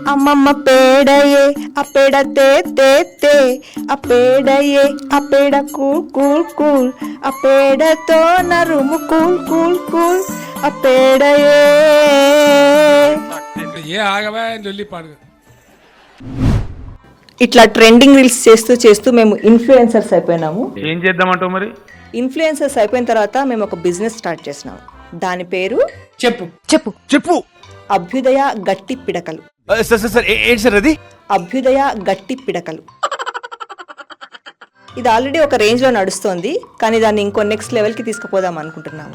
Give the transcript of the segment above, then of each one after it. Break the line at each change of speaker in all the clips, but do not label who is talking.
అమ్మమ్మ పేడయే ఆ పేడ తే తే తే ఆ పేడయే ఆ పేడ కూల్ కూల్ కూల్ ఆ పేడతో నరుము కూల్ కూల్ కూల్ ఆ పేడయే. ఇట్లా ట్రెండింగ్ రీల్స్ చేస్తూ చేస్తూ మేము ఇన్ఫ్లుయెన్సర్స్ అయిపోయినాము.
ఏం చేద్దామంటావు మరి?
ఇన్ఫ్లుయెన్సర్స్ అయిపోయిన తర్వాత మేము ఒక బిజినెస్ స్టార్ట్ చేసినాము. దాని పేరు
చెప్పు చెప్పు చెప్పు.
అభ్యుదయ గట్టి పిడకలు.
ఏంటి సార్ అది?
అభ్యుదయ గట్టి పిడకలు. ఇది ఆల్రెడీ ఒక రేంజ్ లో నడుస్తోంది, కానీ దాన్ని ఇంకో నెక్స్ట్ లెవెల్ కి తీసుకుపోదాం అనుకుంటున్నాము.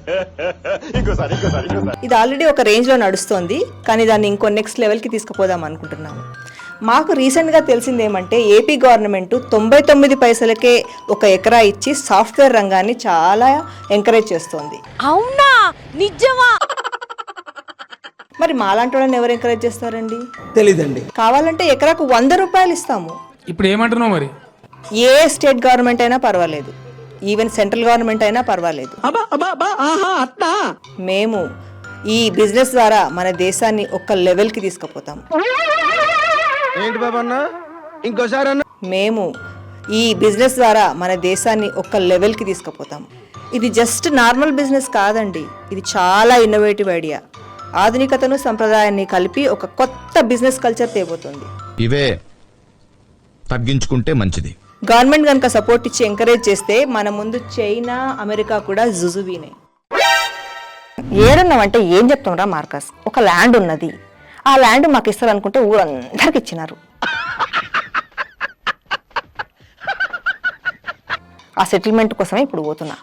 ఇది ఆల్రెడీ ఒక రేంజ్ లో నడుస్తోంది, కానీ దాన్ని ఇంకో నెక్స్ట్ లెవెల్ కి తీసుకుపోదాం అనుకుంటున్నాము. మాకు రీసెంట్గా తెలిసింది ఏమంటే ఏపీ గవర్నమెంట్ 99 పైసలకే ఒక ఎకరా ఇచ్చి సాఫ్ట్వేర్ రంగాన్ని చాలా ఎంకరేజ్ చేస్తోంది.
అవునా? నిజమా?
మరి మాలాంటి వాళ్ళని ఎవరు ఎంకరేజ్ చేస్తారండి?
తెలీదండి.
కావాలంటే ఎకరాకు 100 రూపాయలు ఇస్తాము.
ఇప్పుడు ఏమంటున్నావు మరి?
ఏ స్టేట్ గవర్నమెంట్ అయినా పర్వాలేదు, ఈవెన్ సెంట్రల్ గవర్నమెంట్ అయినా పర్వాలేదు. మేము ఈ బిజినెస్ ద్వారా మన దేశాన్ని ఒక లెవెల్కి తీసుకుపోతాం.
ఏంటి బాబన్నా ఇంకోసారి అన్న?
మేము ఈ బిజినెస్ ద్వారా మన దేశాన్ని ఒక లెవెల్కి తీసుకుపోతాం. ఇది జస్ట్ నార్మల్ బిజినెస్ కాదండి, ఇది చాలా ఇన్నోవేటివ్ ఐడియా. ఆధునికతను సంప్రదాయాన్ని కలిపి ఒక కొత్త బిజినెస్ కల్చర్ తేబోతుంది.
ఇవే తగ్గించుకుంటే మంచిది.
గవర్నమెంట్ కనుక సపోర్ట్ ఇచ్చి ఎంకరేజ్ చేస్తే మన ముందు చైనా, అమెరికా కూడా జుజుబీనే. ఏడున్నామంటే ఏం చెప్తాంరా మార్కస్? ఒక ల్యాండ్ ఉన్నది, ఆ ల్యాండ్ మాకు ఇస్తారనుకుంటే ఊరందరికి ఇచ్చినారు. ఆ సెటిల్మెంట్ కోసమే ఇప్పుడు పోతున్నా.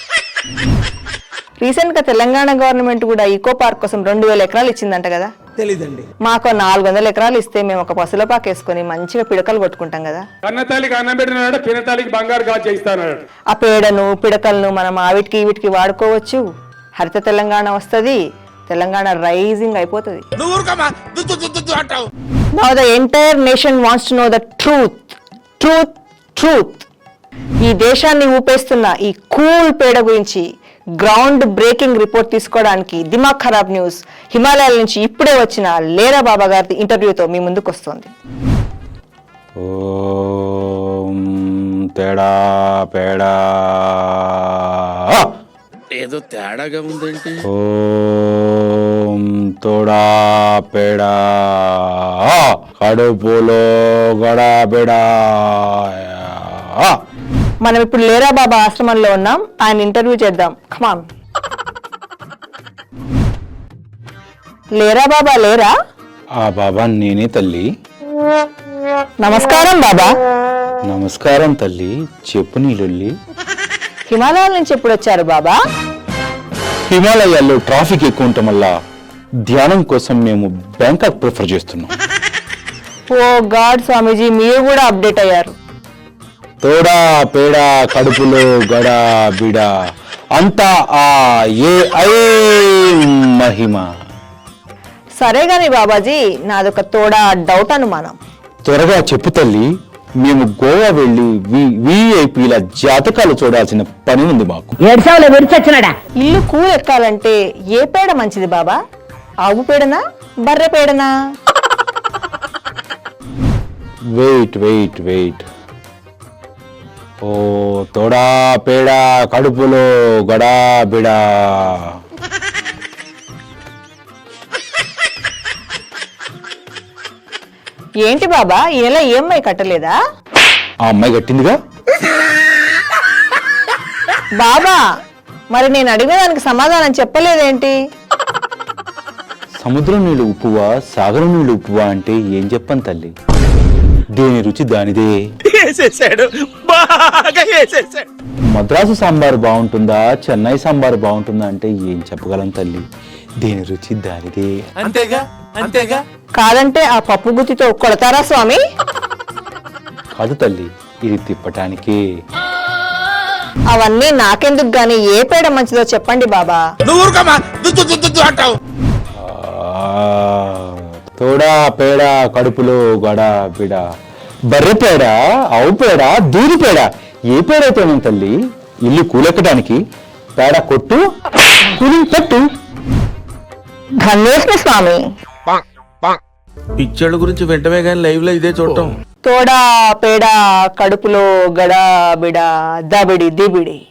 రీసెంట్ గా తెలంగాణ గవర్నమెంట్ కూడా ఈకో పార్క్ కోసం 2000 ఎకరాలు ఇచ్చిందంట కదా?
తెలీదండి.
మాకు 400 ఎకరాలు ఇస్తే మేము ఒక పసుల పాక వేసుకుని మంచిగా పిడకలు కొట్టుకుంటాం కదా.
కన్నతాలికి అన్నం పెట్టినాడు, పినతాలికి బంగారు గాజు చేయిస్తాడు.
ఆ పేడను పిడకలను మనం ఆవిటికి వీటికి వాడుకోవచ్చు. హరిత తెలంగాణ వస్తుంది, తెలంగాణ రైజింగ్ అయిపోతుంది. Now the entire nation wants to know the truth. Truth, truth. ఈ దేశాన్ని ఊపేస్తున్న ఈ కూల్ పేడ గురించి గ్రౌండ్ బ్రేకింగ్ రిపోర్ట్ తీసుకోవడానికి దిమాగ్ ఖరాబ్ న్యూస్ హిమాలయాల నుంచి ఇప్పుడే వచ్చిన లేరా బాబా గారి ఇంటర్వ్యూతో మీ ముందుకు వస్తుంది.
తేడా పేడా
ఏదో తేడాగా ఉందేంటి?
ఓం తోడా పేడా కడుపులో గడాబెడా.
మనం ఇప్పుడు లేరా బాబా ఆశ్రమంలో ఉన్నాం, ఆయన ఇంటర్వ్యూ చేద్దాం. కమాన్. లేరా బాబా లేరా?
ఆ బాబా నేనే తల్లి.
నమస్కారం బాబా.
నమస్కారం తల్లి, చెప్పు నీళ్ళొల్లి.
హిమాలయాల నుంచి ఎప్పుడు వచ్చారు బాబా?
హిమాలయాల్లో ట్రాఫిక్ ఎక్కువ ఉండటం వల్ల ధ్యానం కోసం మేము బ్యాంకాక్ ప్రిఫర్ చేస్తున్నాం.
ఓ గాడ్ స్వామీజీ, మీరు కూడా అప్డేట్ అయ్యారు.
తోడా పేడా కడుపులో గడా బిడా అంతా ఆ ఏ ఐ మహిమ.
సరే గాని బాబాజీ, నాదొక తోడా డౌట్ అనుమానం.
త్వరగా చెప్పు తల్లి, మేము గోవా వెళ్ళి విఐపీల జాతకాలు చూడాల్సిన పని ఉంది మాకు.
ఇల్లు కూల్ ఎక్కాలంటే ఏ పేడ మంచిది బాబా? ఆవు పేడనా, బర్రె పేడనా?
Wait wait wait. ఓ తోడా పేడా కడుపులో గడా బిడా.
ఏంటి బాబా, ఈ నెల ఈఎంఐ కట్టలేదా?
ఆ అమ్మాయి కట్టిందిగా.
బాబా, మరి నేను అడిగిన దానికి సమాధానం చెప్పలేదేంటి?
సముద్రం నీళ్ళు ఉప్పువా, సాగరం నీళ్ళు ఉప్పువా అంటే ఏం చెప్పను తల్లి, దేని రుచి దానిదే. మద్రాసు సాంబార్ బాగుంటుందా, చెన్నై సాంబార్ బాగుంటుందా అంటే ఏం చెప్పగలం తల్లి, దేని రుచి దానిదే.
అంతేగా అంతేగా.
కాదంటే ఆ పప్పు గుత్తితో కొడతారా స్వామి?
కాదు తల్లి, ఇది తిప్పటానికే.
అవన్నీ నాకెందుకు గాని ఏ పేడ మంచిదో చెప్పండి బాబా.
తోడా పేడ కడుపులో గడా బిడ. బర్రె పేడ, ఆవు పేడ, దూది పేడ, ఏ పేడైతే తల్లి, ఇల్లు కూలెక్కడానికి పేడ కొట్టు, కూలి పెట్టు.
ధన్యోస్మి స్వామి.
పిక్చర్ల గురించి వెంటనే కానీ లైవ్ లో ఇదే చూడటం.
తోడా పేడ కడుపులో గడా బిడ దబిడి దిబిడి.